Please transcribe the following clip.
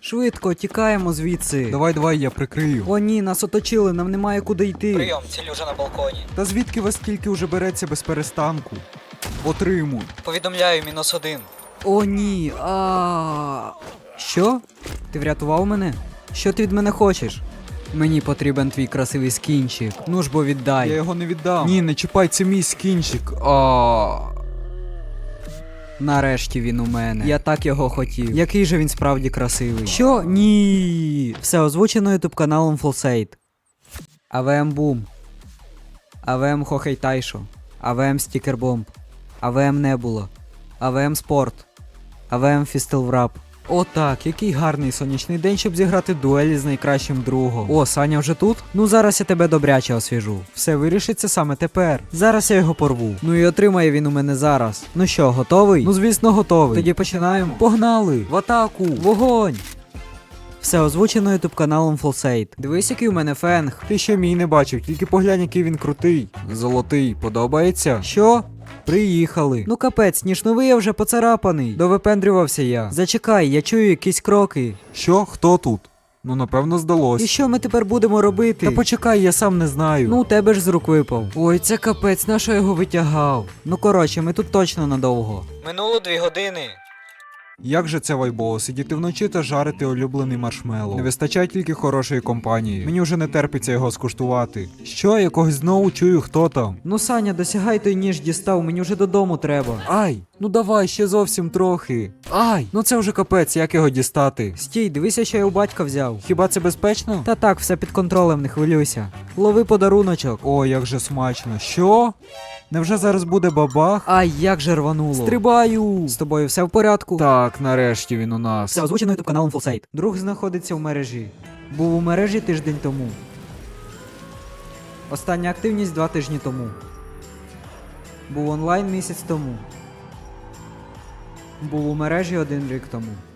Швидко, тікаємо звідси. Давай, я прикрию. О ні, нас оточили, нам немає куди йти. Прийом, ціль уже на балконі. Та звідки вас тільки уже береться без перестанку? Отримуй. Повідомляю, -1. О ні, Що? Ти врятував мене? Що ти від мене хочеш? Мені потрібен твій красивий скінчик. Ну ж бо віддай. Я його не віддам. Ні, не чіпай, це мій скінчик. Нарешті він у мене. Я так його хотів. Який же він справді красивий. Що? Ні. Все озвучено ютуб каналом Fullsate. АВМ Бум. АВМ Хохей Тайшо. АВМ Стікербомб. АВМ Небула. АВМ Спорт. АВМ Фістелврап. О так, який гарний сонячний день, щоб зіграти дуелі з найкращим другом. О, Саня вже тут? Ну зараз я тебе добряче освіжу. Все вирішиться саме тепер. Зараз я його порву. Ну і отримає він у мене зараз. Ну що, готовий? Ну звісно, готовий. Тоді починаємо. Погнали! В атаку! Вогонь! Все озвучено ютуб каналом Fullsate. Дивись, який у мене фенг. Ти ще мій не бачив, тільки поглянь, який він крутий. Золотий, подобається? Що? Приїхали. Ну капець, ніжновий я вже поцарапаний. Довипендрювався я. Зачекай, я чую якісь кроки. Що? Хто тут? Ну, напевно, здалось. І що ми тепер будемо робити? Та почекай, я сам не знаю. Ну, у тебе ж з рук випав. Ой, це капець, на що я його витягав? Ну коротше, ми тут точно надовго. Минуло 2 години. Як же це вайбово, сидіти вночі та жарити улюблений маршмеллоу. Не вистачає тільки хорошої компанії. Мені вже не терпиться його скуштувати. Що, якогось знову чую, хто там? Ну, Саня, досягай той ніж дістав, мені вже додому треба. Ай, ну давай, ще зовсім трохи. Ай, ну це вже капець, як його дістати? Стій, дивися, що я у батька взяв. Хіба це безпечно? Та так, все під контролем, не хвилюйся. Лови подаруночок. О, як же смачно. Що? Невже зараз буде бабах? Ай, як же рвануло. Стрибаю! З тобою все в порядку? Так, нарешті він у нас. Все озвучено ютуб каналом Fullsate. Друг знаходиться в мережі. Був у мережі тиждень тому. Остання активність 2 тижні тому. Був онлайн місяць тому. Був у мережі 1 рік тому.